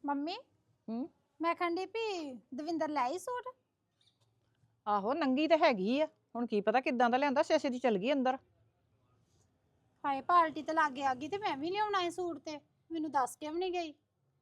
Mummy ਹੂੰ ਮੈਂ ਕਹਿੰਦੀ ਵੀ ਦਵਿੰਦਰ ਲੈ ਆਈ ਸੂਟ। ਆਹੋ ਨੰਗੀ ਤੇ ਹੈਗੀ ਆ। ਹੁਣ ਕੀ ਪਤਾ ਕਿੱਦਾਂ ਦਾ ਲਿਆਂਦਾ, ਸ਼ੇਸ਼ੇ ਦੀ ਚਲ ਗਈ ਅੰਦਰ। ਹਾਏ ਪਾਰਟੀ ਤੇ ਲਾਗੇ ਆ ਗਈ ਤੇ ਮੈਂ ਵੀ ਲਿਆਉਣਾ ਹੈ ਸੂਟ ਤੇ ਮੈਨੂੰ ਦੱਸ ਕੇ ਵੀ ਨਹੀਂ ਗਈ।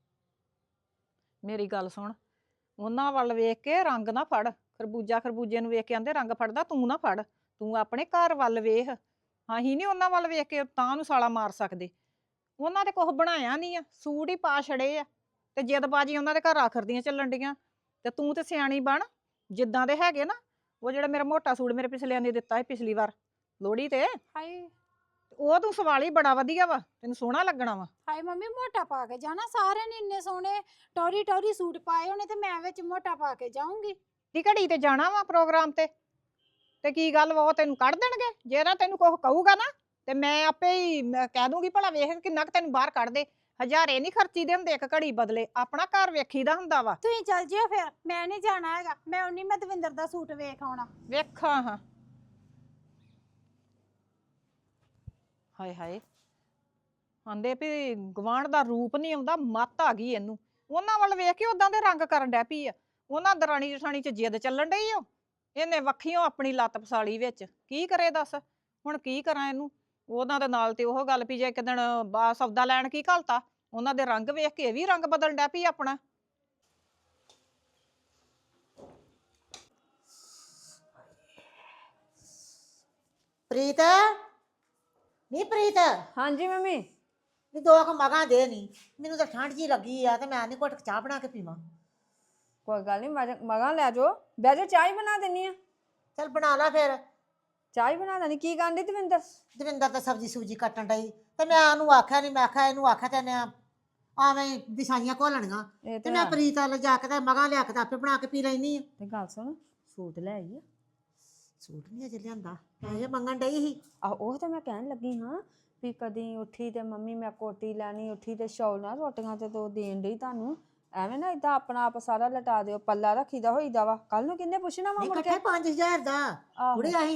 ਮੇਰੀ ਗੱਲ ਸੁਣ, ਉਹਨਾਂ ਵੱਲ ਵੇਖ ਕੇ ਰੰਗ ਨਾ ਫੜ। ਖਰਬੂਜੇ ਨੂੰ ਵੇਖ ਕੇ ਆਂਦੇ ਰੰਗ ਫੜਦਾ, ਤੂੰ ਨਾ ਫੜ। ਤੂੰ ਆਪਣੇ ਘਰ ਵੱਲ ਵੇਖ। ਅਸੀਂ ਨਹੀਂ ਉਹਨਾਂ ਵੱਲ ਵੇਖ ਕੇ ਤਾਂ ਨੂੰ ਸਾਲਾ ਮਾਰ ਸਕਦੇ। ਉਹਨਾਂ ਤੇ ਕੁਝ ਬਣਾਇਆ ਨਹੀਂ ਆ, ਸੂਟ ਹੀ ਪਾ ਛੜੇ ਆ ਤੇ ਜਿੱਦਬਾਜੀ ਉਹਨਾਂ ਦੇ ਘਰ ਆਖਰਦੀਆਂ ਚੱਲਣ ਡੀਆਂ। ਤੇ ਤੂੰ ਤੇ ਸਿਆਣੀ ਬਣ, ਜਿੱਦਾਂ ਦੇ ਹੈਗੇ ਨਾ। ਉਹ ਜਿਹੜਾ ਮੇਰਾ ਮੋਟਾ ਸੂਟ ਮੇਰੇ ਪਿਛਲਿਆਂ ਨੇ ਦਿੱਤਾ ਸੀ ਪਿਛਲੀ ਵਾਰ ਲੋਹੜੀ ਤੇ, ਹਾਏ ਉਹ ਤੂੰ ਸਵਾਲੀ ਬੜਾ ਵਧੀਆ ਵਾ, ਤੈਨੂੰ ਸੋਹਣਾ ਲੱਗਣਾ ਵਾ। ਹਾਏ ਮੰਮੀ ਮੋਟਾ ਪਾ ਕੇ ਜਾਣਾ, ਸਾਰਿਆਂ ਨੇ ਇੰਨੇ ਸੋਹਣੇ ਟੌਰੀ ਟੌਰੀ ਸੂਟ ਪਾਏ ਹੋਣੇ ਤੇ ਮੈਂ ਵਿੱਚ ਮੋਟਾ ਪਾ ਕੇ ਜਾਊਂਗੀ। ਦੀ ਘੜੀ ਤੇ ਜਾਣਾ ਵਾ ਪ੍ਰੋਗਰਾਮ ਤੇ ਕੀ ਗੱਲ ਵਾ, ਉਹ ਤੈਨੂੰ ਕੱਢ ਦੇਣਗੇ? ਜਿਹੜਾ ਤੈਨੂੰ ਕੁਝ ਕਹੂਗਾ ਨਾ ਤੇ ਮੈਂ ਆਪੇ ਹੀ ਕਹਿ ਦੂੰਗੀ ਭਲਾ ਵੇਖ ਕਿੰਨਾ ਕੁ ਤੈਨੂੰ ਬਾਹਰ ਕੱਢ ਦੇ। ਹਜ਼ਾਰੇ ਨਹੀਂ ਖਰਚੀ ਦੇ ਹੁੰਦੇ ਇੱਕ ਘੜੀ ਬਦਲੇ, ਆਪਣਾ ਘਰ ਵੇਖੀਦਾ ਹੁੰਦਾ ਵਾ। ਤੁਸੀਂ ਚੱਲ ਜਿਓ ਫਿਰ, ਮੈਂ ਨਹੀਂ ਜਾਣਾ ਹੈਗਾ। ਮੈਂ ਦਵਿੰਦਰ ਦਾ ਸੂਟ ਵੇਖ ਆਉਣਾ। ਵੇਖਾਂ ਹਾਂ। ਹਾਏ ਹਾਏ, ਆਂਦੇ ਵੀ ਗਵਾਂਢ ਦਾ ਰੂਪ ਨਹੀਂ ਆਉਂਦਾ, ਮੱਤ ਆ ਗਈ ਇਹਨੂੰ। ਉਹਨਾਂ ਵੱਲ ਵੇਖ ਕੇ ਉਦਾਂ ਦੇ ਰੰਗ ਕਰਨ ਡੈ ਪਈ ਆ। ਉਹਨਾਂ ਦਰਾਣੀ ਜਠਾਣੀ ਚ ਜਿੱਦ ਚੱਲਣ ਡਈ ਓ, ਇਹਨੇ ਵੱਖੀਓ ਆਪਣੀ ਲੱਤ ਫਸਾਲੀ ਵਿੱਚ। ਕੀ ਕਰੇ ਦੱਸ ਹੁਣ, ਕੀ ਕਰਾਂ ਇਹਨੂੰ? ਉਹਨਾਂ ਦੇ ਨਾਲ ਤੇ ਉਹ ਗੱਲ ਵੀ ਜੇ ਇੱਕ ਦਿਨ ਸੌਦਾ ਲੈਣ ਕੀ ਘਲਤਾ, ਉਹਨਾਂ ਦੇ ਰੰਗ ਵੇਖ ਕੇ ਇਹ ਵੀ ਰੰਗ ਬਦਲਣ ਡੈ ਪਈ ਆਪਣਾ। ਪ੍ਰੀਤ ਨਹੀਂ ਪ੍ਰੀਤ ਹਾਂਜੀ ਮੰਮੀ। ਨੀ ਦੋ ਕੁ ਮਗਾਂ ਦੇ ਨਹੀਂ, ਮੈਨੂੰ ਤਾਂ ਠੰਡ ਜੀ ਲੱਗੀ ਆ ਤੇ ਮੈਂ ਨਹੀਂ ਘੁੱਟ ਚਾਹ ਬਣਾ ਕੇ ਪੀਵਾਂ। ਕੋਈ ਗੱਲ ਨਹੀਂ, ਮਗਾਂ ਲੈ ਜਾਓ, ਬਹਿ ਜਾਓ, ਚਾਹ ਹੀ ਬਣਾ ਦਿੰਨੀ ਆ। ਚੱਲ ਬਣਾ ਲਾ ਫਿਰ। ਚਾਹ ਹੀ ਬਣਾ ਦੇਣੀ। ਕੀ ਕਰਨ ਦੀ ਦਵਿੰਦਰ? ਦਵਿੰਦਰ ਤਾਂ ਸਬਜ਼ੀ ਸੁਬਜੀ ਕੱਟਣ ਡਈ ਤੇ ਮੈਂ ਉਹਨੂੰ ਆਖਿਆ ਨਹੀਂ, ਮੈਂ ਆਖਿਆ ਇਹਨੂੰ ਆਖਿਆ ਤੇ ਇਹਨੇ ਆਵੇਂ ਦਿਸ਼ਾਈਆਂ ਘੋਲਣੀਆਂ ਇਹ ਤੇ ਤੇ ਮੈਂ ਪ੍ਰੀਤ ਵੱਲ ਜਾ ਕੇ ਤੇ ਮਗਾਂ ਲਿਆ ਕੇ ਤੇ ਆਪੇ ਬਣਾ ਕੇ ਪੀ ਲੈਣੀ ਆ। ਤੇ ਗੱਲ ਸੁਣ, ਸੂਟ ਲੈ ਆਈ ਆ? ਸੂਟ ਨਹੀਂ ਅਜੇ ਲਿਆਂਦਾ, ਇਹ ਮੰਗਣ ਡਈ ਸੀ। ਉਹ ਤਾਂ ਮੈਂ ਕਹਿਣ ਲੱਗੀ ਹਾਂ ਵੀ ਕਦੀ ਉੱਠੀ ਤੇ ਮੰਮੀ ਮੈਂ ਕੋਟੀ ਲੈਣੀ, ਉੱਠੀ ਤੇ ਸ਼ੌਲ ਨਾਲ ਰੋਟੀਆਂ ਤੇ ਦੋ ਦੇਣ ਡਈ ਤੁਹਾਨੂੰ। ਐਵੇਂ ਨਾ ਏਦਾਂ ਆਪਣਾ ਆਪ ਸਾਰਾ ਲਟਾ ਦਿਓ, ਪੱਲਾ ਰੱਖੀਦਾ ਹੋਈਦਾ ਵਾ। ਕੱਲ ਨੂੰ ਕਿੰਨੇ ਪੁੱਛਣਾ ਵਾ ਨਹੀਂ ਮੁੜ ਇਕੱਠੇ ਕੇ? 5000 ਦਾ ਆਹੋ। ਕੁੜੇ ਅਸੀਂ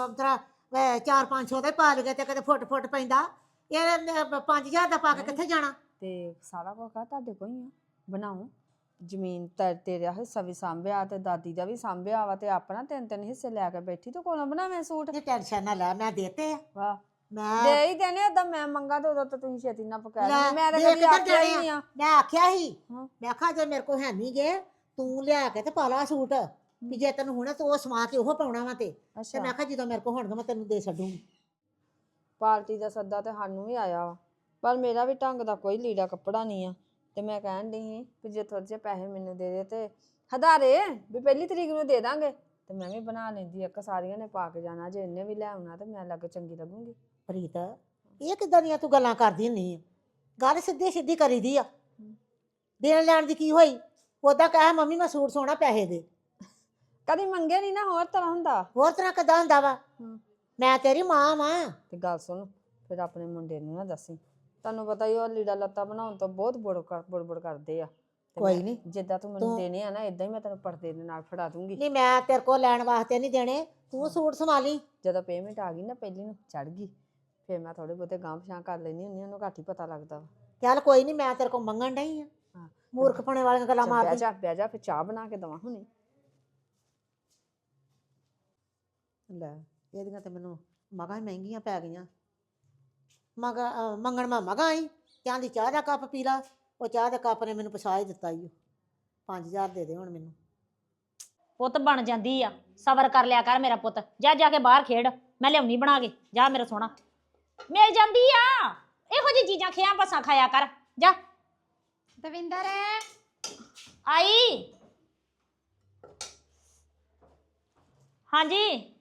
4-500 ਦਾ ਪਾ ਲਈਏ ਤੇ ਕਦੇ ਫੁੱਟ ਪੈਂਦਾ। ਇਹ 5000 ਦਾ ਪਾ ਕੇ ਕਿੱਥੇ ਜਾਣਾ? ਤੇ ਸਾਰਾ ਕੁਝ ਕਾ ਤੁਹਾਡੇ ਕੋਲ ਹੀ ਆ, ਬਣਾਓ। ਜ਼ਮੀਨ ਤੇਰਾ ਹਿੱਸਾ ਵੀ ਸਾਂਭਿਆ ਤੇ ਦਾਦੀ ਦਾ ਵੀ ਸਾਂਭਿਆ ਵਾ, ਤੇ ਆਪਣਾ 3-3 ਹਿੱਸੇ ਲੈ ਕੇ ਬੈਠੀ ਤੇ ਕੋਲੋਂ ਬਣਾਵੇਂ ਸੂਟ। ਇਹ ਟੈਨਸ਼ਨ ਨਾ ਲੈ, ਮੈਂ ਦੇਤੇ ਆ। ਵਾਹ, ਮੈਂ ਦੇ ਹੀ ਦੇਣੇ। ਓਦਾਂ ਮੈਂ ਮੰਗਾ ਤੇ ਉਦੋਂ ਤਾਂ ਤੁਸੀਂ ਛੇਤੀ ਨਾ ਪਕਾ ਲੈ, ਦੇ। ਮੈਂ ਤਾਂ ਦੇ ਕਦੀ ਕਿੱਧਰ ਆਖਿਆ ਹੀ ਜਾਣੇ ਨਹੀਂ ਆ? ਆ। ਮੈਂ ਆਖਿਆ ਸੀ, ਹਾਂ। ਮੈਂ ਆਖਿਆ ਜੇ ਮੇਰੇ ਕੋਲ ਹੈ ਨਹੀਂ ਗੇ ਤੂੰ ਲਿਆ ਕੇ ਤੇ ਪਾ ਲਾ ਸੂਟ, ਵੀ ਜੇ ਤੈਨੂੰ ਹੁਣੇ ਤੂੰ ਉਹ ਸਮਾ ਕੇ ਉਹ ਪਾਉਣਾ ਵਾ ਤੇ ਅੱਛਾ, ਮੈਂ ਆਖਿਆ ਜਦੋਂ ਮੇਰੇ ਕੋਲ ਹੋਣਗਾ ਮੈਂ ਤੈਨੂੰ ਦੇ ਛੱਡੂੰਗੀ। ਪਾਰਟੀ ਦਾ ਸੱਦਾ ਤੇ ਸਾਨੂੰ ਵੀ ਆਇਆ ਵਾ, ਪਰ ਮੇਰਾ ਵੀ ਢੰਗ ਦਾ ਕੋਈ ਲੀੜਾ ਕੱਪੜਾ ਨਹੀਂ ਆ। ਤੇ ਮੈਂ ਕਹਿਣ ਡਈ ਸੀ ਵੀ ਜੇ ਥੋੜੇ ਜਿਹੇ ਪੈਸੇ ਮੈਨੂੰ ਦੇ ਦੇ ਤੇ ਹਦਾਰੇ ਵੀ 1 ਤਰੀਕ ਨੂੰ ਦੇ ਦਾਂਗੇ, ਤੇ ਮੈਂ ਵੀ ਬਣਾ ਲੈਂਦੀ। ਇੱਕ ਸਾਰੀਆਂ ਨੇ ਪਾ ਕੇ ਜਾਣਾ, ਜੇ ਇਹਨੇ ਵੀ ਲੈ ਆਉਣਾ ਤੇ ਮੈਂ ਲੱਗ ਚੰਗੀ ਲੱਗੂਗੀ। ਪ੍ਰੀਤ ਇਹ ਕਿੱਦਾਂ ਦੀਆਂ ਤੂੰ ਗੱਲਾਂ ਕਰਦੀ ਹੁੰਨੀ ਆ? ਗੱਲ ਸਿੱਧੀ ਸਿੱਧੀ ਕਰੀਦੀ ਆ। ਦੇਣ ਲੈਣ ਦੀ ਕੀ ਹੋਈ? ਉਹਦਾ ਕਹਿ ਮੰਮੀ ਮੈਂ ਸੂਟ ਸੋਹਣਾ ਪੈਸੇ ਦੇ। ਕਦੀ ਮੰਗੇ ਨਹੀਂ ਨਾ, ਹੋਰ ਤਰ੍ਹਾਂ ਹੁੰਦਾ। ਹੋਰ ਤਰ੍ਹਾਂ ਕਿੱਦਾਂ ਹੁੰਦਾ ਵਾ? ਮੈਂ ਤੇਰੀ ਮਾਂ ਵਾਂ। ਤੇ ਗੱਲ ਸੁਣ, ਫਿਰ ਆਪਣੇ ਮੁੰਡੇ ਨੂੰ ਨਾ ਦੱਸੀ। ਤੁਹਾਨੂੰ ਪਤਾ ਹੀ ਉਹ ਲੀੜਾ ਲੱਤਾ ਬਣਾਉਣ ਤੋਂ ਬਹੁਤ ਬੁੜਬੁੜ ਕਰਦੇ ਆ। ਤੇ ਕੋਈ ਮੈਂ ਨਹੀਂ, ਜਿੱਦਾਂ ਤੂੰ ਮੈਨੂੰ ਦੇਣੇ ਆ ਨਾ, ਇਦਾਂ ਹੀ ਮੈਂ ਤੈਨੂੰ ਪਰਦੇ ਦੇ ਨਾਲ ਫੜਾ ਦੂੰਗੀ। ਨਹੀਂ ਮੈਂ ਤੇਰੇ ਕੋਲ ਲੈਣ ਵਾਸਤੇ ਨਹੀਂ ਦੇਣੇ, ਤੂੰ ਸੂਟ ਸੰਭਾਲੀ। ਜਦੋਂ ਪੇਮੈਂਟ ਆ ਗਈ ਨਾ ਪਹਿਲੀ ਨੂੰ ਚੜ ਗਈ, ਫਿਰ ਮੈਂ ਥੋੜੇ ਬਹੁਤੇ ਗਾਂਹ ਪਛਾਂ ਕਰ ਲੈਣੀ ਹੁੰਦੀ, ਉਹਨੂੰ ਘੱਟ ਹੀ ਪਤਾ ਲੱਗਦਾ ਵਾ। ਚੱਲ ਕੋਈ ਨਹੀਂ, ਮੈਂ ਤੇਰੇ ਕੋਲ ਮੰਗਣ ਡਈ ਆ। ਹਾਂ। ਮੂਰਖ ਪਣੇ ਵਾਲੀਆਂ ਗੱਲਾਂ ਚੱਲ ਬਹਿ ਮਾਰਦੀ। ਜਾ ਬਹਿ ਜਾ, ਫਿਰ ਚਾਹ ਬਣਾ ਕੇ ਦਵਾਂ ਹੁਣੇ। ਲੈ ਇਹਦੀਆਂ ਤੇ ਮੈਨੂੰ ਮਗਾਂ ਹੀ ਮਹਿੰਗੀਆਂ ਪੈ ਗਈਆਂ। ਮੰਗਣ ਮੈਂ ਮਗਾਂ ਆਈ, ਕਹਿੰਦੀ ਚਾਹ ਦਾ ਕੱਪ ਪੀ ਲਾ। ਉਹ ਚਾਹ ਦੇ ਕੱਪ ਨੇ ਮੈਨੂੰ ਪਛਾ ਹੀ ਦਿੱਤਾ ਈ। 5000 ਦੇ ਦੇ ਹੁਣ ਮੈਨੂੰ। ਪੁੱਤ ਬਣ ਜਾਂਦੀ ਆ, ਸਬਰ ਕਰ ਲਿਆ ਕਰ ਮੇਰਾ ਪੁੱਤ। ਜਾ ਜਾ ਕੇ ਬਾਹਰ ਖੇਡ, ਮੈਂ ਲਿਆਉਣੀ ਬਣਾ ਕੇ। ਜਾ ਮੇਰਾ ਸੋਹਣਾ, ਮਿਲ ਜਾਂਦੀ ਆ। ਇਹੋ ਜਿਹੀ ਚੀਜ਼ਾਂ ਖਿਆ ਪਸਾਂ ਖਾਇਆ ਕਰ। ਜਾ ਦਵਿੰਦਰ ਆਈ। ਹਾਂਜੀ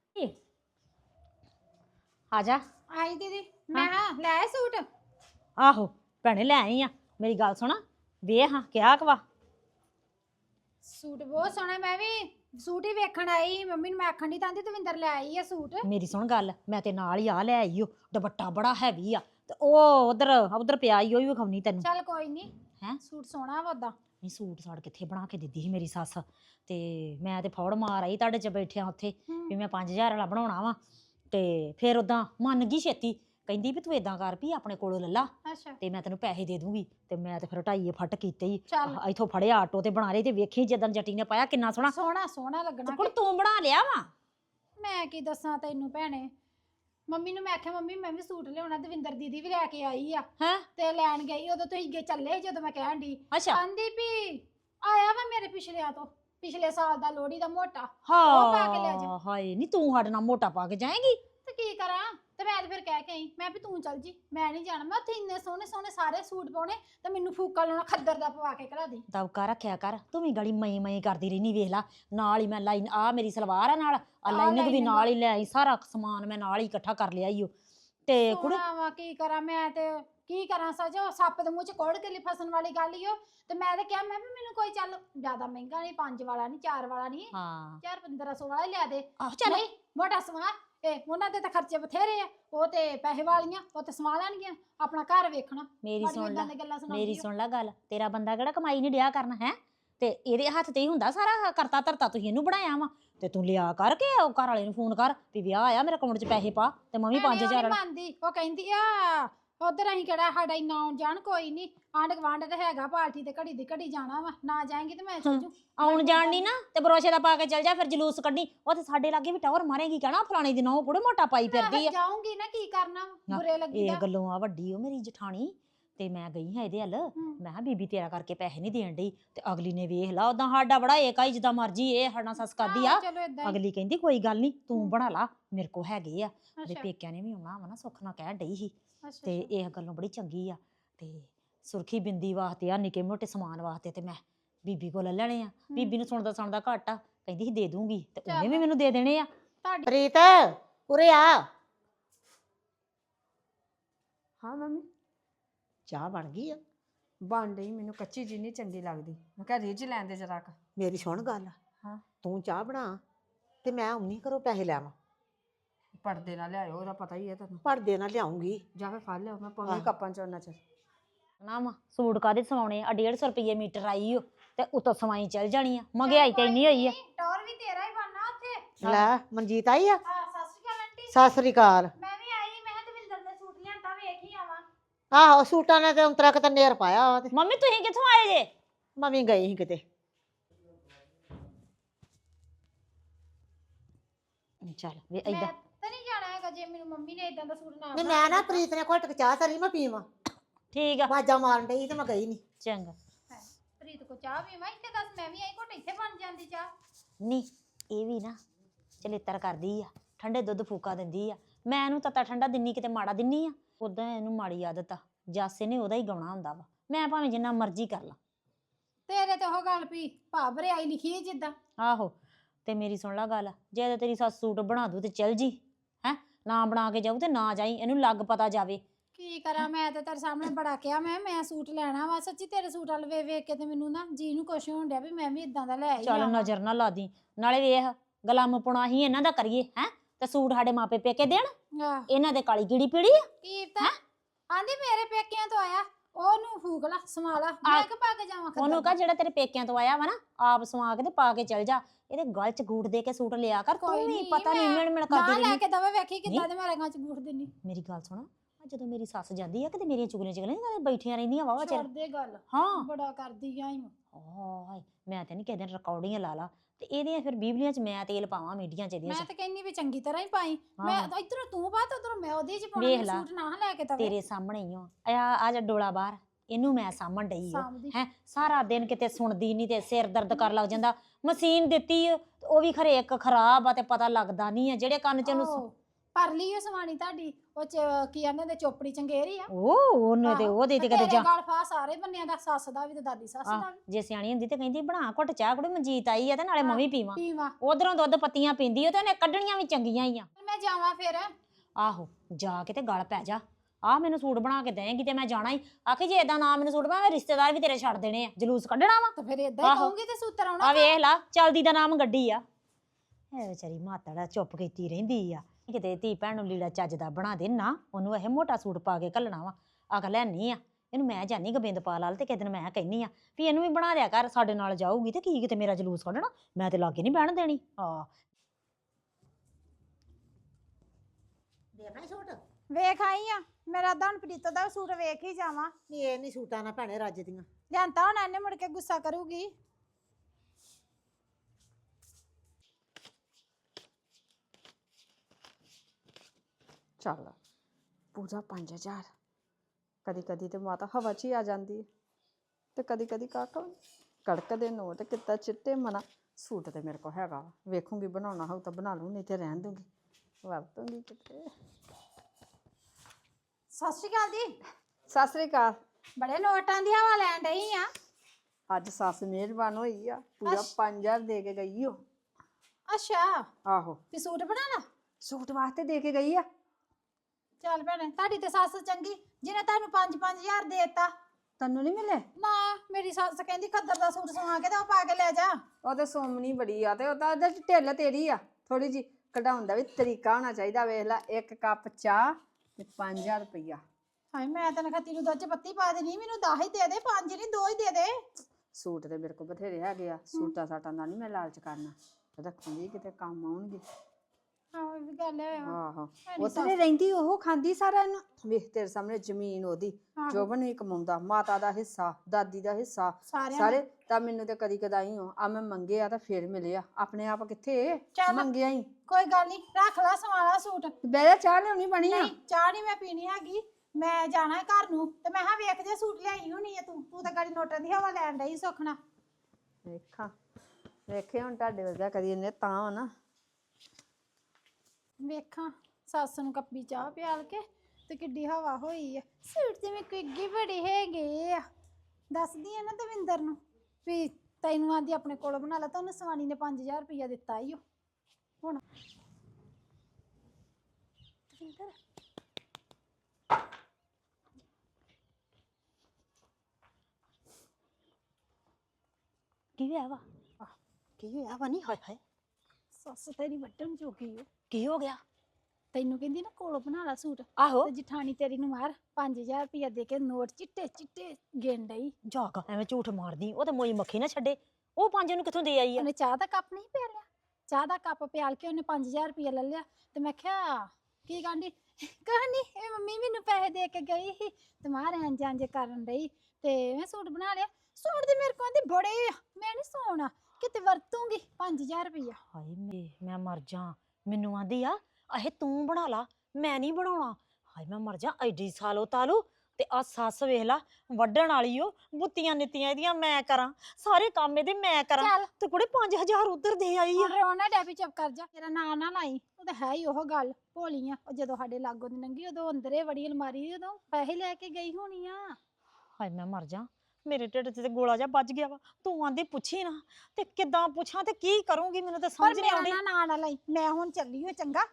ਆ ਜਾ। ਆਈ ਦੀਦੀ, ਮੈਂ ਲੈ ਆਏ ਸੂਟ। ਆਹੋ ਭੈਣੇ ਲੈ ਆਈ ਆ। ਮੇਰੀ ਗੱਲ ਸੁਣ, ਵੇਖ ਹਾਂ ਕਿਆ ਕਵਾ ਸੂਟ ਬਹੁਤ ਸੋਹਣਾ, ਮੈਂ ਵੀ ਸੂਟ ਹੀ ਵੇਖਣ ਆਈ। ਮੰਮੀ ਨੂੰ ਮੈਂ ਆਖਣ ਦੀ ਤਾਂ ਦਵਿੰਦਰ ਲੈ ਆਈ ਆ ਸੂਟ। ਮੇਰੀ ਸੁਣ ਗੱਲ, ਮੈਂ ਤੇ ਨਾਲ ਹੀ ਆ ਲੈ ਆਈ ਓ। ਦੁਪੱਟਾ ਬੜਾ ਹੈਵੀ ਆ ਤੇ ਉਹ ਉਧਰ ਪਿਆ ਈ, ਉਹ ਵੀ ਵਿਖਾਉਣੀ ਤੈਨੂੰ। ਚੱਲ ਕੋਈ ਨਹੀਂ, ਹੈਂ ਸੂਟ ਸੋਹਣਾ ਵਾ ਉਦਾਂ। ਨਹੀਂ ਸੂਟ ਸਾੜ ਕਿੱਥੇ ਬਣਾ ਕੇ ਦਿੱਤੀ ਸੀ ਮੇਰੀ ਸੱਸ, ਤੇ ਮੈਂ ਤੇ ਫੌੜ ਮਾਰ ਆਈ ਤੁਹਾਡੇ ਚ ਬੈਠਿਆ ਉੱਥੇ ਵੀ ਮੈਂ 5000 ਵਾਲਾ ਬਣਾਉਣਾ ਵਾ। ਤੇ ਫਿਰ ਉਦਾਂ ਮੰਨ ਗਈ ਛੇਤੀ, ਕਹਿੰਦੀ ਵੀ ਤੂੰ ਇਦਾਂ ਕਰ ਵੀ ਆਪਣੇ ਕੋਲੋਂ ਲੱਲਾ ਅੱਛਾ ਤੇ ਮੈਂ ਤੈਨੂੰ ਪੈਸੇ ਦੇ ਦੂੰਗੀ ਤੇ ਮੈਂ ਤੇ ਫਿਰ ਢਾਈਏ ਫੱਟ ਕੀਤੇ ਹੀ ਚੱਲ ਇੱਥੋਂ ਫੜਿਆ ਆਟੋ ਤੇ ਬਣਾ ਲਈ ਤੇ ਵੇਖੀ ਜਦੋਂ ਜੱਟੀ ਨੇ ਪਾਇਆ ਕਿੰਨਾ ਸੋਹਣਾ ਸੋਹਣਾ ਸੋਹਣਾ ਲੱਗਣਾ ਹੁਣ ਤੂੰ ਬਣਾ ਲਿਆ ਵਾ ਮੈਂ ਕੀ ਦੱਸਾਂ ਤੈਨੂੰ ਭੈਣੇ ਮੰਮੀ ਨੂੰ ਮੈਂ ਆਖਿਆ ਮੰਮੀ ਮੈਂ ਵੀ ਸੂਟ ਲਿਆਉਣਾ ਦਵਿੰਦਰ ਦੀਦੀ ਵੀ ਲੈ ਕੇ ਆਈ ਆ ਹੈਂ ਤੇ ਲੈਣ ਗਈ ਉਦੋਂ ਤੁਸੀਂ ਅੱਗੇ ਚੱਲੇ ਜਦੋਂ ਮੈਂ ਕਹਿਣ ਦੀ ਅੱਛਾ ਆਂਦੀ ਵੀ ਆਇਆ ਵਾ ਮੇਰੇ ਪਿਛਲੇ ਸਾਲ ਦਾ ਲੋਹੜੀ ਦਾ ਮੋਟਾ ਉਹ ਪਾ ਕੇ ਲੈ ਜਾ। ਹਾਂ ਹਾਏ ਨਹੀਂ ਤੂੰ ਸਾਡੇ ਨਾਲ ਮੋਟਾ ਪਾ ਕੇ ਜਾਏਂਗੀ ਤੇ ਕੀ ਕਰਾਂ ਤੇ ਮੈਂ ਤੇ ਫਿਰ ਕਹਿ ਕੇ ਆਈ ਮੈਂ ਵੀ ਤੂੰ ਚੱਲ ਜੀ ਮੈਂ ਨਹੀਂ ਜਾਣਾ ਮੈਂ ਉੱਥੇ ਇੰਨੇ ਸੋਹਣੇ ਸੋਹਣੇ ਸਾਰੇ ਸੂਟ ਪਾਉਣੇ ਤੇ ਮੈਨੂੰ ਫੂਕਾ ਲਾਉਣਾ ਖੱਦਰ ਦਾ ਪਵਾ ਕੇ ਘਲਾ ਦੇ ਦਬਕਾ ਰੱਖਿਆ ਕਰ ਤੂੰ ਵੀ ਗਲੀ ਮਈ ਕਰਦੀ ਰਹਿਨੀ ਵੇਖ ਲਾ ਨਾਲ ਹੀ ਮੈਂ ਲਾਈਨ ਆ ਮੇਰੀ ਸਲਵਾਰ ਆ ਨਾਲ ਆ ਲਾਈਨਿੰਗ ਵੀ ਨਾਲ ਹੀ ਲੈ ਆਈ ਸਾਰਾ ਸਮਾਨ ਮੈਂ ਨਾਲ ਹੀ ਇਕੱਠਾ ਕਰ ਲਿਆ ਈ ਓ ਤੇ ਕੁੜੇ ਸੋਹਣਾ ਵਾ ਕੀ ਕਰਾਂ ਮੈਂ ਤੇ ਕੀ ਕਰਾਂ ਸਜੋ ਸੱਪ ਦੇ ਮੂੰਹ ਚ ਕੋੜ ਕੇ ਲਈ ਫਸਣ ਵਾਲੀ ਗੱਲ ਈ ਓ ਤੇ ਮੈਂ ਤੇ ਕਿਹਾ ਮੈਂ ਵੀ ਮੈਨੂੰ ਕੋਈ ਚੱਲ ਜ਼ਿਆਦਾ ਮਹਿੰਗਾ ਨਹੀਂ 5 ਵਾਲਾ ਨਹੀਂ 4 ਵਾਲਾ ਨਹੀਂ ਹਾਂ 1500 ਵਾਲਾ ਹੀ ਲਿਆ ਦੇ ਆਹ ਚੱਲ ਨਹੀਂ ਮੋਟਾ ਸਵਾ ਇਹ ਉਹਨਾਂ ਦੇ ਤਾਂ ਖਰਚੇ ਬਥੇਰੇ ਆ ਉਹ ਤੇ ਪੈਸੇ ਵਾਲੀਆਂ ਉਹ ਤੇ ਸਵਾ ਲੈਣਗੀਆਂ ਆਪਣਾ ਘਰ ਵੇਖਣਾ ਮੇਰੀ ਬੜੀ ਸੁਣ ਏਦਾਂ ਲੈ ਦੀਆਂ ਗੱਲਾਂ ਮੇਰੀ ਸੁਣਾਉਂਦੀ ਓ। ਸੁਣ ਲੈ ਗੱਲ ਤੇਰਾ ਬੰਦਾ ਕਿਹੜਾ ਕਮਾਈ ਨਹੀਂ ਡਿਆ ਕਰਨਾ ਹੈ ਤੇ ਇਹਦੇ ਹੱਥ ਤੇ ਹੀ ਹੁੰਦਾ ਸਾਰਾ ਕਰਤਾ ਧਰਤਾ ਤੁਸੀਂ ਇਹਨੂੰ ਬਣਾਇਆ ਵਾ ਤੇ ਤੂੰ ਲਿਆ ਕਰਕੇ ਉਹ ਘਰ ਵਾਲੇ ਨੂੰ ਫੋਨ ਕਰ ਵੀ ਵਿਆਹ ਆਇਆ ਮੇਰੇ ਅਕਾਊਂਟ 'ਚ ਪੈਸੇ ਪਾ ਤੇ ਮੈਂ ਵੀ ਭੈਣੇ, ਉਹ 5000 ਨੀ ਮੰਨਦੀ ਉਹ ਕਹਿੰਦੀ ਆ ਉਧਰ ਅਸੀਂ ਕਿਹੜਾ ਸਾਡਾ ਇੰਨਾ ਆਉਣ ਜਾਣ ਕੋਈ ਨਹੀਂ ਆਂਢ ਗੁਆਂਢ ਤੇ ਹੈਗਾ ਪਾਰਟੀ ਤੇ ਘੜੀ ਦੀ ਘੜੀ ਜਾਣਾ ਵਾ ਨਾ ਜਾਏਂਗੀ ਤੇ ਮੈਂ ਚੱਲ ਜੂ ਆਉਣ ਜਾਣ ਨਹੀਂ ਨਾ ਤੇ ਬਰੋਸ਼ੇ ਦਾ ਪਾ ਕੇ ਚੱਲ ਜਾ ਫਿਰ ਜਲੂਸ ਕੱਢੀ ਉਹ ਤੇ ਸਾਡੇ ਲਾਗੇ ਵੀ ਟਾਵਰ ਮਾਰੇਗੀ ਕਹਿਣਾ ਫਲਾਣੇ ਦੀ ਨੌ ਕੁੜੇ ਮੋਟਾ ਪਾਈ ਫਿਰਦੀ ਆ ਜਾਊਂਗੀ ਨਾ ਕੀ ਕਰਨਾ ਵਾ, ਬੁਰੇ ਲੱਗੀ ਇਹ ਦਾ ਗੱਲੋਂ ਆ ਵੱਡੀ ਉਹ ਮੇਰੀ ਜਠਾਣੀ ਤੇ ਮੈਂ ਗਈ ਹਾਂ ਇਹਦੇ ਹੱਲ ਮੈਂ ਕਿਹਾ ਬੀਬੀ ਤੇਰਾ ਕਰਕੇ ਪੈਸੇ ਨਹੀਂ ਦੇਣ ਡਈ ਤੇ ਅਗਲੀ ਨੇ ਵੇਖ ਲਾ ਉਦਾਂ ਸਾਡਾ ਬੜਾ ਏਕਾ ਹੀ ਜਿੱਦਾਂ ਮਰਜੀ ਇਹ ਸਾਡਾ ਸੱਸ ਕਰਦੀ ਆ ਚਲੋ ਏਦਾਂ ਹੀ ਅਗਲੀ ਕਹਿੰਦੀ ਕੋਈ ਗੱਲ ਨਹੀਂ ਤੂੰ ਬਣਾ ਲਾ ਮੇਰੇ ਕੋ ਹੈਗੇ ਆ ਤੇ ਅੱਛਾ, ਪੇਕਿਆਂ ਨੇ ਵੀ ਆਉਣਾ ਵਾ ਨਾ ਸੁੱਖ ਨਾਲ ਕਹਿਣ ਡਈ ਸੀ ਅੱਛਾ, ਤੇ ਅੱਛਾ। ਇਹ ਗੱਲੋਂ ਬੜੀ ਚੰਗੀ ਆ ਤੇ ਸੁਰਖੀ ਬਿੰਦੀ ਵਾਸਤੇ ਆ ਨਿੱਕੇ ਮੋਟੇ ਸਮਾਨ ਵਾਸਤੇ ਤੇ ਮੈਂ ਬੀਬੀ ਕੋਲ ਲੈ ਲੈਣੇ ਆ ਬੀਬੀ ਨੂੰ ਸੁਣਦਾ ਘੱਟ ਆ ਕਹਿੰਦੀ ਸੀ ਦੇ ਦੂੰਗੀ ਤੇ ਉਹਨੇ ਵੀ ਚੱਲ। ਮੈਨੂੰ ਦੇ ਦੇਣੇ ਆ ਤੁਹਾਡੀ ਪ੍ਰੀਤ ਉਰੇ ਆ ਹਾਂ ਮੰਮੀ ਚਾਹ ਬਣ ਗਈ ਆ ਬਣ ਰਹੀ ਮੈਨੂੰ ਕੱਚੀ ਜੀ ਨਹੀਂ ਚੰਗੀ ਲੱਗਦੀ ਮੈਂ ਕਿਹਾ ਰੀਝ ਲੈਣ ਦੇ ਜਰਾ ਕ ਮੇਰੀ ਸੁਣ ਗੱਲ ਹਾਂ। ਤੂੰ ਚਾਹ ਬਣਾ ਤੇ ਮੈਂ ਉਨੀ ਘਰੋਂ ਪੈਸੇ ਲੈਵਾਂ ਪਰਦੇ ਨਾਲ ਲਿਆਇਓ ਉਹਦਾ ਪਤਾ ਹੀ ਹੈ ਤੁਹਾਨੂੰ ਪਰਦੇ ਨਾਲ ਲਿਆਉਂਗੀ ਜਾ ਕੇ ਫੜ ਲਿਓ ਮੈਂ ਪਾਵੇਂ ਆਹ। ਕੱਪਾਂ ਚ ਉਹਨਾਂ ਚ ਨਾ ਵਾ ਸੂਟ ਕਾਦੇ ਸਵਾਉਣੇ ਆ 150 ਰੁਪਏ ਮੀਟਰ ਆਈ ਓ ਤੇ ਉਤੋਂ ਸਵਾਈ ਚੱਲ ਜਾਣੀ ਆ ਮਹਿੰਗਾਈ ਤੇ ਇੰਨੀ ਹੋਈ ਆ ਟੌਰ ਵੀ ਤੇਰਾ ਹੀ ਬਣਨਾ ਉੱਥੇ ਲੈ ਮਨਜੀਤ ਆਈ ਆ ਹਾਂ ਸਤਿ ਸ਼੍ਰੀ ਅਕਾਲ ਆਂਟੀ ਸਤਿ ਸ੍ਰੀ ਅਕਾਲ ਮੈਂ ਵੀ ਆਈ ਮੈਂ ਕਿਹਾ ਦਵਿੰਦਰ ਨੇ ਸੂਟ ਲਿਆਂਦਾ ਵੇਖ ਹੀ ਆਵਾਂ ਆਹੋ ਸੂਟਾਂ ਨੇ ਤੇ ਉਂਤਰਾ ਕਿਤੇ ਨੇਰ ਪਾਇਆ ਵਾ ਤੇ ਮੰਮੀ ਤੁਸੀਂ ਕਿੱਥੋਂ ਆਏ ਜੇ ਮੰਮੀ ਗਈ ਸੀ ਕਿਤੇ ਚੱਲ ਵੇ ਮੈਂ ਏਦਾਂ ਤਾਂ ਨਹੀਂ ਜਾਣਾ ਹੈਗਾ ਜੇ ਮੈਨੂੰ ਮੰਮੀ ਨੇ ਇਦਾਂ ਦਾ ਸੂਟ ਨਾ ਨਹੀਂ ਮੈਂ ਨਾ ਪ੍ਰੀਤ ਨੇ ਘੁੱਟ ਕੇ ਚਾਹ ਧਰੀ ਮੈਂ ਪੀਵਾਂ ਠੀਕ ਆ ਵਾਜਾ ਮਾਰਨ ਡਈ ਤੇ ਮੈਂ ਗਈ ਨਹੀਂ ਚੰਗਾ ਪ੍ਰੀਤ ਕੋ ਚਾਹ ਪੀਵਾਂ ਇੱਥੇ ਦੱਸ ਮੈਂ ਵੀ ਆਈ ਘੁੱਟ ਇੱਥੇ ਬਣ ਜਾਂਦੀ ਚਾਹ ਨਹੀਂ ਇਹ ਵੀ ਨਾ ਚਲਿੱਤਰ ਕਰਦੀ ਆ ਠੰਡੇ ਦੁੱਧ ਫੂਕਾ ਦਿੰਦੀ ਆ ਮੈਂ ਇਹਨੂੰ ਤਤਾ ਠੰਡਾ ਦਿੰਨੀ ਕਿਤੇ ਮਾੜਾ ਦਿੰਨੀ ਆ ਉਦਾਂ ਇਹਨੂੰ ਮਾੜੀ ਆਦਤ ਆ ਜਾਸੇ ਨੇ ਉਹਦਾ ਹੀ ਗਾਉਣਾ ਹੁੰਦਾ ਵਾ ਮੈਂ ਭਾਵੇਂ ਜਿੰਨਾ ਮਰਜ਼ੀ ਕਰ ਲਾਂ ਤੇਰੇ ਤੇ ਉਹ ਗੱਲ ਪਈ ਭਾਬਰੇ ਆਈ ਲਿਖੀ ਜਿੱਦਾਂ ਆਹੋ ਤੇ ਮੇਰੀ ਸੁਣ ਲਾ ਗੱਲ ਜੇ ਤੇ ਤੇਰੀ ਸੱਸ ਸੂਟ ਬਣਾ ਦੂ ਤੇ ਚੱਲ ਜੀ ਹੈ ਨਾ ਬਣਾ ਕੇ ਜਾਊ ਤੇ ਨਾ ਜਾਈ ਇਹਨੂੰ ਲੱਗ ਪਤਾ ਜਾਵੇ ਕੀ ਕਰਾਂ ਮੈਂ ਤੇ ਤੇਰੇ ਸਾਹਮਣੇ ਬੜਾ ਕਿਹਾ ਮੈਂ ਸੂਟ ਲੈਣਾ ਵਾ ਸੱਚੀ ਤੇਰੇ ਸੂਟ ਵੱਲ ਵੇਖ ਵੇਖ ਕੇ ਤੇ ਮੈਨੂੰ ਨਾ ਜੀ ਨੂੰ ਕੁਛ ਹੋਣ ਡਿਆ ਵੀ ਮੈਂ ਵੀ ਇਦਾਂ ਦਾ ਲੈ ਆਈ ਚੱਲ ਨਜ਼ਰ ਨਾ ਲਾ ਦੀ ਨਾਲੇ ਵੇਖ ਗਲਮ ਪੁਣਾ ਹੀ ਇਹਨਾਂ ਦਾ ਕਰੀਏ ਹੈ ਤੇ ਸੂਟ ਸਾਡੇ ਮਾਪੇ ਪੇਕੇ ਦੇਣ ਇਹਨਾਂ ਦੇ ਕਾਲੀ ਕੀੜੀ ਪੀੜੀ ਆ ਕੀ ਤਾਂ ਆਂਦੀ ਮੇਰੇ ਪੇਕਿਆਂ ਤੋਂ ਆਇਆ ਉਹਨੂੰ ਫੂਕ ਲਾ ਸਮਾ ਲਾ ਮੈਂ ਕਿ ਪਾ ਕੇ ਜਾਵਾਂ ਉਹਨੂੰ ਕਹ ਜਿਹੜਾ ਤੇਰੇ ਪੇਕਿਆਂ ਤੋਂ ਆਇਆ ਵਾ ਨਾ ਆਪ ਸਵਾ ਕੇ ਤੇ ਪਾ ਕੇ ਚੱਲ ਜਾ ਇਹਦੇ ਗਲ 'ਚ ਗੂਠ ਦੇ ਕੇ ਸੂਟ ਲਿਆ ਕਰ ਤੂੰ ਕੋਈ ਵੀ ਨੀ, ਪਤਾ ਨਹੀਂ ਮੈਂ ਮਿਣ ਨਾ ਕਰਦੀ ਲੈ ਰਹਿੰਦੀ ਕੇ ਦਵਾ ਵੇਖੀ ਕਿੱਦਾਂ ਨਹੀਂ। ਦੇ ਮੇਰੇ ਗਾਂ ਚ ਗੂਠ ਦਿੰਨੀ ਮੇਰੀ ਗੱਲ ਸੁਣ ਆ ਜਦੋਂ ਮੇਰੀ ਸੱਸ ਜਾਂਦੀ ਆ ਕਿਤੇ ਮੇਰੀਆਂ ਚੁਗਲੀਆਂ ਚਗਲੀਆਂ ਬੈਠੀਆਂ ਰਹਿੰਦੀਆਂ ਵਾਵਾ ਚਿਰ ਛੱਡ ਦੇ ਗੱਲ ਹਾਂ ਬੜਾ ਕਰਦੀ ਆਈ ਹਾਏ ਮੈਂ ਤਾਂ ਨਹੀਂ ਕਿਸੇ ਦਿਨ ਰਿਕਾਰਡਿੰਗਾਂ ਲਾ ਲਾ ਤੇ ਇਹਦੀਆਂ ਫਿਰ ਬੀਬਲੀਆਂ 'ਚ ਮੈਂ ਤੇਲ ਪਾਵਾਂ ਮੀਡੀਆਂ 'ਚ ਇਹਦੀਆਂ ਮੈਂ 'ਚ ਤਾਂ ਕਹਿੰਨੀ ਵੀ ਚੰਗੀ ਤਰ੍ਹਾਂ ਹੀ ਪਾਈ ਮੈਂ ਹਾਂ। ਇਧਰੋਂ ਤੂੰ ਪਾ ਤੇ ਉਧਰੋਂ ਮੈਂ ਉਹਦੇ ਚ ਪਾਉਣਾ ਵੇਖ ਮੈਂ ਲਾ, ਸੂਟ ਨਾ ਲੈ ਕੇ ਤਵੇ ਤੇਰੇ ਸਾਹਮਣੇ ਹੀ ਆ ਜਾ ਡੋਲਾ ਬਾਹਰ ਇਹਨੂੰ ਮੈਂ ਸਾਂਭਣ ਡਈ ਆ ਸਾਂਭਦੀ ਹੈ ਸਾਰਾ ਦਿਨ ਕਿਤੇ ਸੁਣਦੀ ਨਹੀਂ ਤੇ ਸਿਰ ਦਰਦ ਕਰ ਲੱਗ ਜਾਂਦਾ ਮਸ਼ੀਨ ਦਿੱਤੀ ਆ, ਤੇ ਉਹ ਵੀ ਖਰੇ ਇੱਕ ਖਰਾਬ ਆ ਤੇ ਪਤਾ ਲੱਗਦਾ ਨਹੀਂ ਆ ਜਿਹੜੇ ਕੰਨ 'ਚ ਉਹਨੂੰ ਆਹੋ, ਪਰ ਲਈ ਉਹ ਸਵਾਣੀ ਤੁਹਾਡੀ ਉਹ ਚ ਕੀ ਕਹਿੰਦੇ ਨੇ ਚੋਪੜੀ ਚੰਗੇਰੀ ਆ ਉਹਨੇ ਤੇ ਉਹ ਦੇ ਤੇ ਕਿਤੇ ਜਾ ਗਲ ਫਾ ਸਾਰੇ ਬੰਨਿਆਂ ਦਾ ਸੱਸ ਦਾ ਵੀ ਤੇ ਦਾਦੀ ਸੱਸ ਦਾ ਵੀ ਜੇ ਸਿਆਣੀ ਹੁੰਦੀ ਤੇ ਕਹਿੰਦੀ ਬਣਾ ਘੁੱਟ ਚਾਹ ਕੁੜੇ ਮਨਜੀਤ ਆਈ ਆ ਤੇ ਨਾਲੇ ਮੈਂ ਵੀ ਪੀਵਾਂ ਪੀਵਾ ਉਧਰੋਂ ਦੁੱਧ ਪੱਤੀਆਂ ਪੀਂਦੀ ਉਹ ਤੇ ਉਹਨੇ ਕੱਢਣੀਆਂ ਵੀ ਚੰਗੀਆਂ ਹੀ ਆ ਮੈਂ ਜਾਵਾਂ ਫਿਰ ਆਹੋ ਜਾ ਕੇ ਤੇ ਗਲ ਪੈ ਜਾ ਆ ਮੈਨੂੰ ਸੂਟ ਬਣਾ ਕੇ ਦੇਂਗੀ ਤੇ ਮੈਂ ਜਾਣਾ ਹੀ ਆਖੀ ਜੇ ਏਦਾਂ ਨਾ ਮੈਨੂੰ ਸੂਟ ਬਣਾ ਮੈਂ ਰਿਸ਼ਤੇਦਾਰ ਵੀ ਤੇਰੇ ਛੱਡ ਦੇਣੇ ਆ ਜਲੂਸ ਕੱਢਣਾ ਵਾ ਤੇ ਫਿਰ ਇਦਾਂ ਹੀ ਆਹੋ। ਕਹੂੰਗੀ ਤੇ ਸੂਤਰ ਆਉਣਾ ਆ ਵੇਖ ਲਾ ਚਲਦੀ ਦਾ ਨਾਮ ਗੱਡੀ ਆ ਇਹ ਵਿਚਾਰੀ ਮਾਤੜਾ ਚੁੱਪ ਕੀਤੀ ਰਹਿੰਦੀ ਆ ਕਿਤੇ ਧੀ ਭੈਣ ਨੂੰ ਲੀੜਾ ਚੱਜ ਦਾ ਬਣਾ ਦੇ ਨਾ ਉਹਨੂੰ ਇਹ ਮੋਟਾ ਸੂਟ ਪਾ ਕੇ ਘੱਲਣਾ ਵਾ ਆਖ ਲੈਣੀ ਆ ਇਹਨੂੰ ਮੈਂ ਜਾਨੀ ਗੋਬਿੰਦਪਾਲ ਵਾਲ ਤੇ ਕਿਸੇ ਦਿਨ ਮੈਂ ਕਹਿੰਨੀ ਆ ਵੀ ਇਹਨੂੰ ਵੀ ਬਣਾ ਦਿਆ ਕਰ ਸਾਡੇ ਨਾਲ ਜਾਊਗੀ ਤੇ ਕੀ ਕਿਤੇ ਮੇਰਾ ਜਲੂਸ ਕੱਢਣਾ ਮੈਂ ਤੇ ਲਾਗੇ ਨਹੀਂ ਬਹਿਣ ਦੇਣੀ ਆ ਦੇਣਾ ਸੂਟ ਵੇਖ ਆਈ ਆ ਮੇਰਾ ਦਨ ਪ੍ਰੀਤ ਦਾ ਸੂਟ ਵੇਖ ਹੀ ਜਾਵਾਂ। ਨਹੀਂ ਇਹ ਨਹੀਂ ਸੂਟਾਂ ਨਾਲ ਭੈਣੇ ਰੱਜਦੀਆਂ। ਲਿਆਂਤਾ ਹੁਣ ਇਹਨੇ ਮੁੜ ਕੇ ਗੁੱਸਾ ਕਰੂਗੀ। ਚੱਲ ਪੂਰਾ 5000 ਕਦੀ ਕਦੀ ਤੇ ਮਾਤਾ ਹਵਾ 'ਚ ਹੀ ਆ ਜਾਂਦੀ ਹੈ ਤੇ ਕਦੀ ਕਦੀ ਕਾਕਾ ਕੜਕ ਦੇ ਨੋਟ ਕਿੱਦਾਂ ਚਿੱਟੇ ਮਨਾ। ਸੂਟ ਤੇ ਮੇਰੇ ਕੋਲ ਹੈਗਾ ਵਾ, ਵੇਖੂੰਗੀ ਬਣਾਉਣਾ ਹੋਊ ਤਾਂ ਬਣਾ ਲੂੰ, ਨਹੀਂ ਤੇ ਰਹਿਣ ਦੂੰਗੀ, ਵਰਤੂੰਗੀ ਕਿਤੇ। ਸਤਿ ਸ਼੍ਰੀ ਅਕਾਲ ਜੀ। ਸਤਿ ਸ੍ਰੀ ਅਕਾਲ। ਬੜੇ ਨੋਟਾਂ ਦੀ ਹਵਾ ਲੈਣ ਡਈ ਆ। ਅੱਜ ਸੱਸ ਮਿਹਰਬਾਨ ਹੋਈ ਆ, ਪੂਰਾ 5000 ਦੇ ਕੇ ਗਈ ਓ। ਅੱਛਾ ਆਹੋ ਵੀ ਸੂਟ ਬਣਾ ਲਾ। ਸੂਟ ਵਾਸਤੇ ਦੇ ਕੇ ਗਈ ਆ। ਚੱਲ ਭੈਣੇ ਤੁਹਾਡੀ ਤੇ ਸੱਸ ਚੰਗੀ ਜਿਹਨੇ ਤੁਹਾਨੂੰ 5-5000 ਦੇਤਾ। ਤੈਨੂੰ ਨਹੀਂ ਮਿਲੇ? ਨਾ ਮੇਰੀ ਸੱਸ ਕਹਿੰਦੀ ਖੱਦਰ ਦਾ ਸੂਟ ਸਵਾ ਕੇ ਤੇ ਉਹ ਪਾ ਕੇ ਲੈ ਜਾ। ਉਹ ਤੇ ਸੋਮਣੀ ਬੜੀ ਆ ਤੇ ਉਹਦਾ ਢਿੱਲ ਤੇਰੀ ਆ ਥੋੜੀ ਜੀ, ਕਢਾਉਣ ਦਾ ਵੀ ਤਰੀਕਾ ਹੋਣਾ ਚਾਹੀਦਾ। ਵੇਖ ਲੈ 1 ਕੱਪ ਚਾਹ ਤੇ 5000 ਰੁਪਈਆ। ਹਾਏ ਮੈਂ ਤੈਨੂੰ ਖੱਤੀ ਨੂੰ ਦੁੱਧ 'ਚ ਪੱਤੀ ਪਾ ਦੇਣੀ, ਮੈਨੂੰ 10 ਹੀ ਦੇ ਦੇ, 5 ਨਹੀਂ 2 ਹੀ ਦੇ ਦੇ। ਸੂਟ ਤੇ ਮੇਰੇ ਕੋਲ ਬਥੇਰੇ ਹੈਗੇ ਆ, ਸੂਟਾਂ ਸਾਟਾਂ ਦਾ ਨਹੀਂ ਮੈਂ ਲਾਲਚ ਕਰਨਾ, ਰੱਖੂੰਗੀ ਕਿਤੇ ਕੰਮ ਆਉਣਗੇ। ਹਾਂ ਇਹ ਵੀ ਗੱਲ ਹੈ। ਆਹੋ ਹੈ ਨੀ ਉੱਥੇ ਰਹਿੰਦੀ ਉਹ ਖਾਂਦੀ ਸਾਰਾ ਇਹਨੂੰ। ਵੇਖ ਤੇਰੇ ਸਾਹਮਣੇ ਜ਼ਮੀਨ ਉਹਦੀ, ਆਹੋ। ਜੋਬਨ ਵੀ ਕਮਾਉਂਦਾ, ਮਾਤਾ ਦਾ ਹਿੱਸਾ, ਦਾਦੀ ਦਾ ਹਿੱਸਾ, ਸਾਰਿਆਂ ਸਾਰੇ। ਤਾਂ ਮੈਨੂੰ ਤੇ ਕਦੀ ਕਦਾਈ ਹੋ ਆ ਮੈਂ ਮੰਗੇ ਆ ਤਾਂ ਫੇਰ ਮਿਲੇ ਆ, ਆਪਣੇ ਆਪ ਕਿੱਥੇ ਚੱਲ। ਮੰਗਿਆ ਹੀ। ਕੋਈ ਗੱਲ ਨਹੀਂ, ਰੱਖ ਲੈ ਸਵਾਲਾ ਸੂਟ। ਬਹਿ ਜਾ, ਚਾਹ ਲਿਆਉਣੀ ਬਣੀ ਆ। ਨਹੀਂ ਚਾਹ ਨਹੀਂ ਮੈਂ ਪੀਣੀ ਹੈਗੀ, ਮੈਂ ਜਾਣਾ ਹੈ ਘਰ ਨੂੰ। ਤੇ ਮੈਂ ਹਾਂ ਵੇਖ ਜੇ ਸੂਟ ਲਿਆਈ ਹੋਣੀ ਹੈ ਤੂੰ ਤਾਂ ਗਾੜੀ ਨੋਟਾਂ ਦੀ ਹਵਾ ਲੈਣ ਡਈ ਸੁਖਣਾ। ਵੇਖਾਂ ਵੇਖੇ ਹੁਣ ਤੁਹਾਡੇ ਵਰਗਾ ਕਦੀ ਇਹਨੇ ਤਾਂ ਵਾ ਨਾ। ਵੇਖਾਂ ਸੱਸ ਨੂੰ ਕੱਪੀ ਚਾਹ ਪਿਆਲ ਕੇ ਤੇ ਕਿੱਡੀ ਹਵਾ ਹੋਈ ਆ। ਸੂਟ ਤੇ ਮੈਂ ਕਿੱਗੀ ਬੜੀ ਹੈਗੇ ਆ। ਦੱਸਦੀ ਆ ਨਾ ਦਵਿੰਦਰ ਨੂੰ ਵੀ ਤੈਨੂੰ ਆਂਦੀ ਆਪਣੇ ਕੋਲ ਬਣਾ ਲਾ, ਤੁਹਾਨੂੰ ਸਵਾਨੀ ਨੇ 5000 ਰੁਪਇਆ ਦਿੱਤਾ ਈ ਓ। ਹੁਣ ਦਵਿੰਦਰ ਕੀ ਹੋਇਆ ਵਾ? ਕੀ ਹੋਇਆ ਵਾ? ਨਹੀਂ ਹਾਏ ਹਾਏ ਸੱਸ ਤੇਰੀ ਵੱਟਣ ਜੋਗੀ ਓ। ਕੀ ਹੋ ਗਿਆ? ਤੈਨੂੰ ਕਹਿੰਦੀ ਨਾ ਕੋਲ ਬਣਾ ਲਾ ਸੂਟ, ਆਹੋ ਤੇ ਜਠਾਣੀ ਤੇਰੀ ਨੂੰ ਮਾਰ 5000 ਰੁਪਇਆ ਦੇ ਕੇ ਨੋਟ ਚਿੱਟੇ ਚਿੱਟੇ ਗਿਣ ਡਈ। ਜਾਗਾ ਐਵੇਂ ਝੂਠ ਮਾਰਦੀ, ਉਹ ਤੇ ਮੋਈ ਮੱਖੀ ਨਾ ਛੱਡੇ। ਉਹ 5 ਨੂੰ ਕਿੱਥੋਂ ਦੇ ਆਈ ਆ? ਉਹਨੇ ਚਾਹ ਦਾ ਕੱਪ ਨਹੀਂ ਪਿਆ ਲਿਆ, ਚਾਹ ਦਾ ਕੱਪ ਪਿਆਲ ਕੇ ਉਹਨੇ 5000 ਰੁਪਇਆ ਲੈ ਲਿਆ। ਤੇ ਮੈਂ ਕਿਹਾ ਕੀ ਕਹਿੰਦੀ, ਕਹਿੰਦੀ ਇਹ ਮੰਮੀ ਮੈਨੂੰ ਪੈਸੇ ਦੇ ਕੇ ਗਈ ਸੀ ਤੇ ਮਾਰ ਇੰਜ ਕਰਨ ਡਈ ਤੇ ਮੈਂ ਸੂਟ ਬਣਾ ਲਿਆ। ਸੂਟ ਦੇ ਮੇਰੇ ਕੋਲ ਆਂਦੇ ਬੜੇ ਆ, ਮੈਂ ਨਹੀਂ ਸੋਣਾ ਕਿਤੇ ਵਰਤੂੰਗੀ 5000 ਰੁਪਇਆ। ਹਾਏ ਮੈਂ ਮਰ ਜਾ। ਮੈਨੂੰ ਆਂਦੀ ਆ ਇਹ ਤੂੰ ਬਣਾ ਲਾ, ਮੈਂ ਨਹੀਂ ਬਣਾਉਣਾ। ਹਾਏ ਮੈਂ ਮਰ ਜਾ, ਐਡੀ ਸਾਲੋ ਤਾਲੂ। ਤੇ ਆ ਸੱਸ ਵੇਖ ਲਾ ਵੱਢਣ ਵਾਲੀ ਓ, ਬੁੱਤੀਆਂ ਨਿੱਤੀਆਂ ਇਹਦੀਆਂ ਮੈਂ ਕਰਾਂ, ਸਾਰੇ ਕੰਮ ਇਹਦੇ ਮੈਂ ਕਰਾਂ। ਚੱਲ ਤੇ ਕੁੜੇ 5000 ਉਧਰ ਦੇ ਆਈ ਆ। ਹੁਣ ਰੋਣਾ ਡੈਪੀ ਚੁੱਪ ਕਰ ਜਾ, ਤੇਰਾ ਨਾਂ ਨਾ ਲਾਈ। ਉਹ ਤਾਂ ਹੈ ਹੀ ਉਹ ਗੱਲ ਭੋਲੀ ਆ। ਉਹ ਜਦੋਂ ਸਾਡੇ ਲਾਗੋਂ ਦੀ ਲੰਘੀ ਉਦੋਂ ਅੰਦਰੇ ਵੜੀ ਅਲਮਾਰੀ, ਉਦੋਂ ਪੈਸੇ ਲੈ ਕੇ ਗਈ ਹੋਣੀ ਆ। ਹਾਏ ਮੈਂ ਮਰ ਜਾ, ਮੇਰੇ ਢਿੱਡ 'ਚ ਤੇ ਗੋਲਾ ਜਿਹਾ ਵੱਜ ਗਿਆ ਵਾ। ਤੂੰ ਆਂਦੀ ਪੁੱਛੀ ਨਾ, ਤੇ ਕਿੱਦਾਂ ਪੁੱਛਾਂ ਤੇ ਕੀ ਕਰੂੰਗੀ, ਮੈਨੂੰ ਤਾਂ ਪਰ ਸਮਝ ਨਹੀਂ ਮੇਰਾ ਆਉਂਦੀ। ਨਾਂ ਨਾ ਲਈ, ਮੈਂ ਹੁਣ ਚੱਲੀ ਓ। ਚੰਗਾ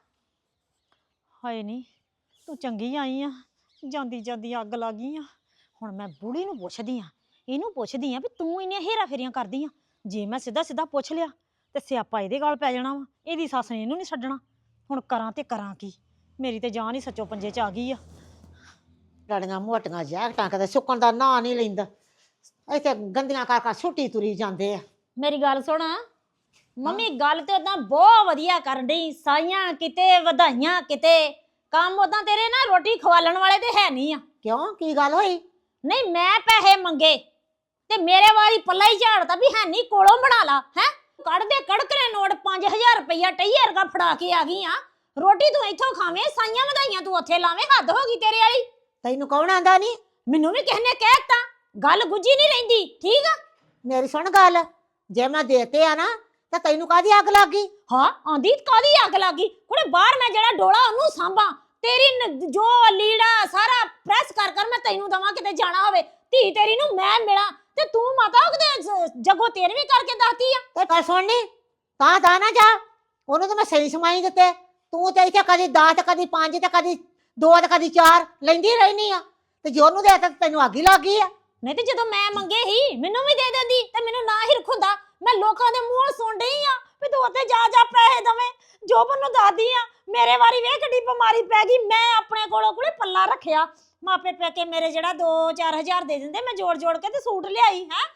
ਹਾਏ ਨਹੀਂ ਤੂੰ ਚੰਗੀ ਆਈ ਆ, ਜਾਂਦੀ ਜਾਂਦੀ ਅੱਗ ਲੱਗ ਗਈ ਆ। ਹੁਣ ਮੈਂ ਬੁੜੀ ਨੂੰ ਪੁੱਛਦੀ ਆ, ਇਹਨੂੰ ਪੁੱਛਦੀ ਆ ਵੀ ਤੂੰ ਇੰਨੀਆਂ ਹੇਰਾ ਫੇਰੀਆਂ ਕਰਦੀ ਆ। ਜੇ ਮੈਂ ਸਿੱਧਾ ਸਿੱਧਾ ਪੁੱਛ ਲਿਆ ਤੇ ਸਿਆਪਾ ਇਹਦੇ ਗਲ ਪੈ ਜਾਣਾ ਵਾ, ਇਹਦੀ ਸੱਸ ਨੇ ਇਹਨੂੰ ਨਹੀਂ ਛੱਡਣਾ। ਹੁਣ ਕਰਾਂ ਤੇ ਕਰਾਂ ਕੀ, ਮੇਰੀ ਤੇ ਜਾਨ ਹੀ ਸੱਚੋ ਪੰਜੇ 'ਚ ਆ ਗਈ ਆ। ਲੜੀਆਂ ਮੋਟੀਆਂ ਜੈਕਟਾਂ ਕਦੇ ਸੁੱਕਣ ਦਾ ਨਾਂ ਨਹੀਂ ਲੈਂਦਾ, ਇੱਥੇ ਗੰਦੀਆਂ ਕਰ ਸੁੱਟੀ ਤੁਰੀ ਜਾਂਦੇ ਆ। ਮੇਰੀ ਗੱਲ ਸੁਣ ਮੰਮੀ, ਗੱਲ ਤੇ ਉਦਾਂ ਬਹੁਤ ਵਧੀਆ ਕਰਨ ਡਈ, ਸਾਈਆਂ ਕਿਤੇ ਵਧਾਈਆਂ ਕਿਤੇ। ਕੰਮ ਉਦਾਂ ਤੇਰੇ ਨਾ ਰੋਟੀ ਖਵਾਲਣ ਵਾਲੇ ਤੇ ਹੈ ਨਹੀਂ ਆ। ਕਿਉਂ ਕੀ ਗੱਲ ਹੋਈ? ਨਹੀਂ ਮੈਂ ਪੈਸੇ ਮੰਗੇ ਤੇ ਮੇਰੇ ਵਾਲੀ ਪੱਲਾ ਹੀ ਝਾੜਦਾ ਵੀ ਹੈ ਨਹੀਂ, ਕੋਲੋਂ ਬਣਾ ਲਾ। ਹੈ ਕੱਢ ਦੇ ਕੜਕਰੇ ਨੋਟ 5000 ਰੁਪਇਆ ਟਈਏ ਵਰਗਾ ਫੜਾ ਕੇ ਆ ਗਈ ਆ। ਰੋਟੀ ਤੂੰ ਇੱਥੋਂ ਖਾਵੇਂ, ਸਾਈਆਂ ਵਧਾਈਆਂ ਤੂੰ ਉੱਥੇ ਲਾਵੇਂ, ਹੱਦ ਹੋ ਗਈ ਤੇਰੇ ਵਾਲੀ। ਤੈਨੂੰ ਕੌਣ ਆਂਦਾ ਨਹੀਂ? ਮੈਨੂੰ ਵੀ ਕਿਸੇ ਨੇ ਕਹਿਤਾ, ਗੱਲ ਗੁੱਜੀ ਨਹੀਂ ਰਹਿੰਦੀ, ਠੀਕ ਆ? ਮੇਰੀ ਸੁਣ ਗੱਲ, ਜੇ ਮੈਂ ਦੇਤੇ ਆ ਨਾ ਤਾਂ ਤੈਨੂੰ ਕਾਹਦੀ ਅੱਗ ਲੱਗ ਗਈ? ਹਾਂ ਆਂਦੀ ਕਾਹਦੀ ਅੱਗ ਲੱਗੀ ਕੁੜੇ, ਬਾਹਰ ਮੈਂ ਜਿਹੜਾ ਡੋਲਾ ਉਹਨੂੰ ਸਾਂਭਾਂ, ਤੇਰੀ ਜੋ ਲੀੜਾ ਸਾਰਾ ਪ੍ਰੈਸ ਕਰ ਕਰ ਮੈਂ ਤੈਨੂੰ ਦਵਾਂ, ਕਿਤੇ ਜਾਣਾ ਹੋਵੇ ਧੀ ਤੇਰੀ ਨੂੰ ਮੈਂ ਮਿਲਾਂ। ਤੇ ਤੂੰ ਮਾਤਾ ਉਹਦੇ ਜੱਗੋ ਤੇਰ ਵੀ ਕਰਕੇ ਦੱਸਦੀ ਆ। ਤੇ ਗੱਲ ਸੁਣਨੀ, ਤਾਂ ਨਾ ਜਾ, ਉਹਨੂੰ ਤਾਂ ਮੈਂ ਸਹੀ ਸਮਾਈ ਦਿੱਤੇ। ਤੂੰ ਤੇ ਇੱਥੇ ਕਦੀ 10 ਤੇ ਕਦੀ 5 ਤੇ ਕਦੀ 2 ਤੇ ਕਦੀ 4 ਲੈਂਦੀ ਰਹਿਨੀ ਆ, ਤੇ ਜੇ ਉਹਨੂੰ ਦੇ ਤਾ ਤੈਨੂੰ ਅੱਗ ਹੀ ਲੱਗ ਗਈ ਆ। ਨਹੀਂ ਤੇ ਜਦੋਂ ਮੈਂ ਮੰਗੇ ਹੀ ਮੈਨੂੰ ਵੀ ਦੇ ਦਿੰਦੀ ਤੇ ਮੈਨੂੰ ਨਾ ਹੀ ਰਖੁੰਦਾ। ਮੈਂ ਲੋਕਾਂ ਦੇ ਮੂੰਹੋਂ ਸੁਣ ਡਈ ਆ ਵੀ ਤੂੰ ਉੱਥੇ ਜਾ ਪੈਸੇ ਦਵੇਂ, ਜੋਬਨ ਨੂੰ ਦੱਸਦੀ ਆ। ਮੇਰੇ ਵਾਰੀ ਵੇਖ ਕਿੱਡੀ ਬਿਮਾਰੀ ਪੈ ਗਈ, ਮੈਂ ਆਪਣੇ ਕੋਲੋਂ ਕੋਲੇ ਪੱਲਾ ਰੱਖਿਆ। ਮਾਪੇ ਪੈ ਕੇ ਮੇਰੇ ਜਿਹੜਾ 2-4 ਹਜ਼ਾਰ ਦੇ ਦਿੰਦੇ, ਮੈਂ ਜੋੜ ਜੋੜ ਕੇ ਤੇ ਸੂਟ ਲਿਆਈ ਹੈ।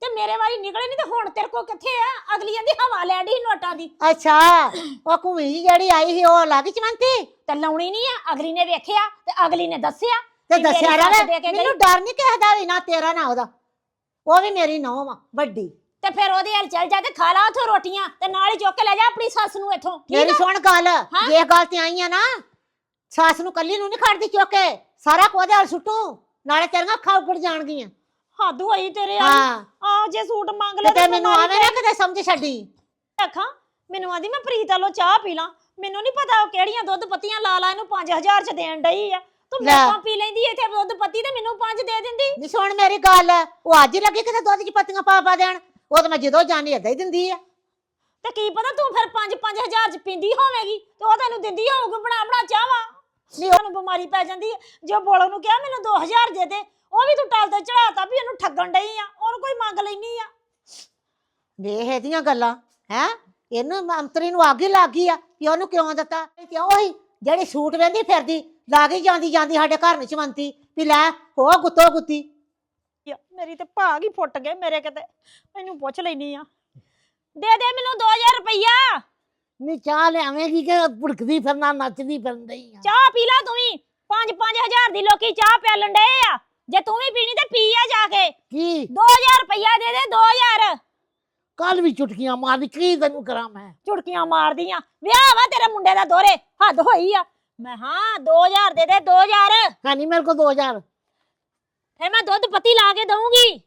ਤੇ ਮੇਰੇ ਵਾਰੀ ਨਿਕਲੇ ਨਹੀਂ ਤੇ ਹੁਣ ਤੇਰੇ ਕੋ ਕਿੱਥੇ ਆ? ਅਗਲੀਆਂ ਦੀ ਹਵਾ ਲੈਣ ਦੀ ਨੋਟਾਂ ਦੀ ਅੱਛਾ ਉਹ ਘੁਮੀ ਜਿਹੜੀ ਆਈ ਸੀ ਉਹ ਲੱਗ ਚਮੰਤੀ ਤੇ ਲਾਉਣੀ ਨਹੀਂ ਆ। ਅਗਲੀ ਨੇ ਵੇਖਿਆ ਤੇ ਅਗਲੀ ਨੇ ਦੱਸਿਆ ਤੇ ਵੀ ਮੇਰੀ ਦੱਸਿਆ ਸੱਸ ਰਵੇ ਦੇ ਕੇ ਗਈ। ਮੈਨੂੰ ਡਰ ਨਹੀਂ ਕਿਸੇ ਦਾ ਵੀ, ਨਾ ਤੇਰਾ ਨਾ ਉਹਦਾ। ਉਹ ਵੀ ਮੇਰੀ ਨੌਂ ਵਾ ਵੱਡੀ। ਤੇ ਫਿਰ ਉਹਦੇ ਹਲ ਚੱਲ ਜਾ ਤੇ ਖਾ ਲਾ ਉਥੋਂ ਰੋਟੀਆਂ ਤੇ ਨਾਲ ਹੀ ਚੁੱਕ ਕੇ ਲੈ ਜਾ ਆਪਣੀ ਸੱਸ ਨੂੰ ਇੱਥੋਂ। ਠੀਕ ਮੇਰੀ ਆ? ਸੁਣ ਗੱਲ, ਜੇ ਗੱਲ ਤੇ ਆਈ ਆ ਨਾ, ਸੱਸ ਨੂੰ ਕੱਲੀ ਨੂੰ ਨਹੀਂ ਖੜਦੀ ਚੁੱਕ ਕੇ, ਸਾਰਾ ਕੁਝ ਹਾਲ ਸੁੱਟੂ, ਨਾਲੇ ਤੇਰੀਆਂ ਅੱਖਾਂ ਉੱਗੜ ਜਾਣਗੀਆਂ। ਹੱਦ ਹੋਈ ਤੇਰੇ ਵਾਲੀ। ਹਾਂ ਆ ਜੇ ਸੂਟ ਮੰਗ ਲੈ ਤੇ ਮੈਨੂੰ ਆਵੇਂ ਨਾ ਕਿਤੇ ਸਮਝ ਛੱਡੀ। ਅੱਖਾਂ ਮੈਨੂੰ ਆਂਦੀ ਮੈਂ ਪ੍ਰੀਤ ਵੱਲੋਂ ਚਾਹ ਪੀ ਲਾਂ। ਮੈਨੂੰ ਨਹੀਂ ਪਤਾ ਉਹ ਕਿਹੜੀਆਂ ਦੁੱਧ ਪੱਤੀਆਂ ਲਾ ਲਾ ਇਹਨੂੰ 5000 ਚ ਦੇਣ ਡਈ ਆ। ਤੂੰ ਲੈ। ਮੇਰੇ ਕੋਲ ਪੀ ਲੈਂਦੀ ਇੱਥੇ ਦੁੱਧ ਪੱਤੀ ਤੇ ਮੈਨੂੰ 5 ਦੇ ਦਿੰਦੀ। ਨਹੀਂ ਸੁਣ ਮੇਰੀ ਗੱਲ, ਉਹ ਅੱਜ ਹੀ ਲੱਗੀ ਕਿਤੇ ਦੁੱਧ 'ਚ ਪੱਤੀਆਂ ਪਾ ਦੇਣ। ਉਹ ਤਾਂ ਮੈਂ ਜਦੋਂ ਜਾਣੀ ਏਦਾਂ ਹੀ ਦਿੰਦੀ ਆ। ਤੇ ਕੀ ਪਤਾ ਤੂੰ ਫਿਰ 5-5000 ਚ ਪੀਂਦੀ ਹੋਵੇਂਗੀ ਤੇ ਉਹ ਤੈਨੂੰ ਦਿੰਦੀ ਹੋਊਗੀ ਬਣਾ ਬਣਾ ਚਾਹਾਂ। ਨਹੀਂ ਤੁਹਾਨੂੰ ਬਿਮਾਰੀ ਪੈ ਜਾਂਦੀ ਹੈ। ਜੋ ਬੋਲੋ ਨੂੰ ਕਿਹਾ ਮੈਨੂੰ 2000 ਦੇ ਦੇ, ਉਹ ਵੀ ਤੂੰ ਟਲ ਤੇ ਚੜਾਤਾ ਵੀ ਇਹਨੂੰ ਠੱਗਣ ਡਈ ਆ, ਉਹਨੂੰ ਕੋਈ ਮੰਗ ਲੈਣੀ ਆ। ਵੇਖ ਇਹਦੀਆਂ ਗੱਲਾਂ ਹੈ, ਇਹਨੂੰ ਅੰਤਰੀ ਨੂੰ ਅੱਗ ਹੀ ਲੱਗ ਗਈ ਆ ਕਿ ਉਹਨੂੰ ਕਿਉਂ ਦਿੱਤਾ। ਤੇ ਉਹੀ ਜਿਹੜੀ ਸੂਟ ਵੇਂਦੀ ਫਿਰਦੀ ਲੱਗ ਹੀ ਜਾਂਦੀ ਸਾਡੇ ਘਰ ਨੂੰ ਚਮੰਤੀ ਵੀ ਲੈ ਹੋ ਗੁੱਤੋ ਗੁੱਤੀ। ਮੇਰੀ ਤੇ ਭਾਗ ਹੀ ਫੁੱਟ ਗਏ ਮੇਰੇ, ਕਿਤੇ ਮੈਨੂੰ ਪੁੱਛ ਲੈਣੀ ਆ। ਦੇ ਦੇ ਮੈਨੂੰ 2000 ਰੁਪਈਆ। ਨਹੀਂ ਚਾਹ ਲਿਆਵੇਂਗੀ ਕਿ ਭੁੜਕਦੀ ਫਿਰਨਾ ਨੱਚਦੀ ਫਿਰਦੀ ਆ। ਚਾਹ ਪੀ ਲਾ ਤੂੰ ਵੀ। 5-5000 ਦੀ ਲੋਕੀ ਚਾਹ ਪਿਆਲਣ ਡਏ ਆ। ਜੇ ਤੂੰ ਵੀ ਪੀਣੀ ਤੇ ਪੀ ਆ ਜਾ ਕੇ। ਕੀ 2000 ਰੁਪਈਆ ਦੇ ਦੇ 2000। ਕੱਲ ਵੀ ਚੁਟਕੀਆਂ ਮਾਰਦੀ, ਕੀ ਤੈਨੂੰ ਕਰਾਂ ਮੈਂ। ਚੁੜਕੀਆਂ ਮਾਰਦੀਆਂ। ਵਿਆਹ ਵਾ ਤੇਰੇ ਮੁੰਡੇ ਦਾ ਦੋਰੇ, ਹੱਦ ਹੋਈ ਆ। ਮੈਂ ਹਾਂ 2000 ਦੇ ਦੇ 2000। ਹੈ ਨਹੀਂ ਮੇਰੇ ਕੋਲ 2000। ਫੇ ਮੈਂ ਦੁੱਧ ਪੱਤੀ ਲਾ ਕੇ ਦਊਂਗੀ।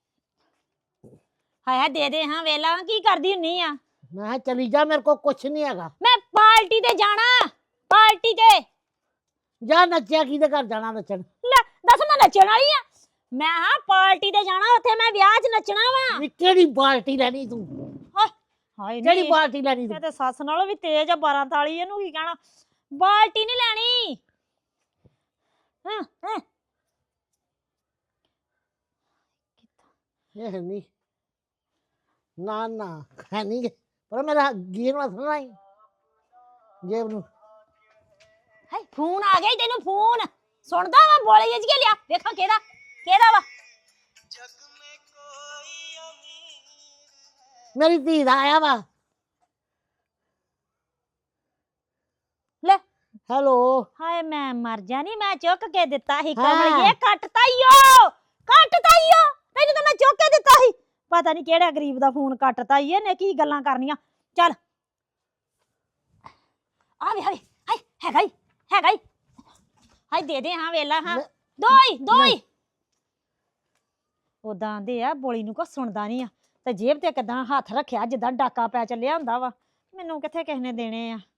ਹਾਏ ਦੇ ਦੇ ਹਾਂ ਵੇਲਾ ਕੀ ਕਰਦੀ ਹੁੰਨੀ ਆ। ਮੈਂ ਕਿਹਾ ਚਲੀ ਜਾ, ਮੇਰੇ ਕੋਲ ਕੁਛ ਨਹੀਂ ਹੈਗਾ। ਮੈਂ ਪਾਰਟੀ ਤੇ ਜਾਣਾ, ਪਾਰਟੀ ਤੇ। ਜਾ ਨੱਚਿਆ ਕਿਹਦੇ ਘਰ ਜਾਣਾ ਨੱਚਣ। ਲੈ ਦੱਸ ਮੈਂ ਨੱਚਣ ਵਾਲੀ ਆ? ਮੈਂ ਹਾਂ ਪਾਰਟੀ ਤੇ ਜਾਣਾ, ਉੱਥੇ ਮੈਂ ਵਿਆਹ 'ਚ ਨੱਚਣਾ ਵਾ। ਵੀ ਕਿਹੜੀ ਬਾਲਟੀ ਲੈਣੀ ਤੂੰ? ਹਾਏ ਕਿਹੜੀ ਨਹੀਂ, ਬਾਲਟੀ ਲੈਣੀ ਇਹ ਤੂੰ? ਤੇ ਸੱਸ ਨਾਲੋਂ ਵੀ ਤੇਜ਼ ਆ 12 ਤਾਲੀ। ਇਹਨੂੰ ਕੀ ਕਹਿਣਾ? ਬਾਲਟੀ ਨਹੀਂ ਲੈਣੀ। ਹਾਂ ਹਾਂ ਇਹ ਨਹੀਂ, ਨਾ ਨਾ ਹੈ ਨਹੀਂ, ਪਰ ਮੇਰਾ ਗੀਰ ਨਾ ਸੁਣਾਈ ਜੇਬ ਨੂੰ। ਹਾਏ ਫੋਨ ਆ ਗਿਆ ਈ ਤੈਨੂੰ, ਫੋਨ ਸੁਣਦਾ ਵਾ? ਬੋਲੇ ਜਿ ਕੇ ਲਿਆ ਵੇਖਾਂ ਕਿਹਦਾ ਕਿਹਦਾ ਵਾ। ਮੇਰੀ ਧੀ ਦਾ ਆਇਆ ਵਾ। ਲੈ ਹੈਲੋ। ਹਾਏ ਮੈਂ ਮਰ ਜਾਣੀ, ਮੈਂ ਚੁੱਕ ਕੇ ਦਿੱਤਾ ਸੀ ਹਾਂ। ਕਮਲੀਏ। ਕੱਟਤਾ ਈਓ, ਕੱਟਤਾ ਈਓ। ਤੈਨੂੰ ਤਾਂ ਮੈਂ ਚੁੱਕ ਕੇ ਦਿੱਤਾ ਸੀ। ਪਤਾ ਨਹੀਂ ਕਿਹੜਾ ਗਰੀਬ ਦਾ ਫੋਨ ਕੱਟਤਾ ਈ ਇਹਨੇ, ਕੀ ਗੱਲਾਂ ਕਰਨੀਆਂ। ਚੱਲ ਆਵੇ ਹਾਏ ਹਾਏ ਹੈਗਾ ਈ, ਹੈਗਾ ਈ। ਹਾਏ ਦੇ ਦੇ ਹਾਂ ਵੇਲਾ ਹਾਂ। ਦੋਈ ਉਦਾਂ ਆਂਦੇ ਆ ਬੋਲੀ ਨੂੰ ਕੋ ਸੁਣਦਾ ਨਹੀਂ ਆ, ਤੇ ਜੇਬ ਤੇ ਕਿਦਾਂ ਹੱਥ ਰੱਖਿਆ ਜਿੱਦਾਂ ਡਾਕਾ ਪੈ ਚੱਲਿਆ ਹੁੰਦਾ ਵਾ। ਮੈਨੂੰ ਕਿੱਥੇ ਕਿਸੇ ਨੇ ਦੇਣੇ ਆ।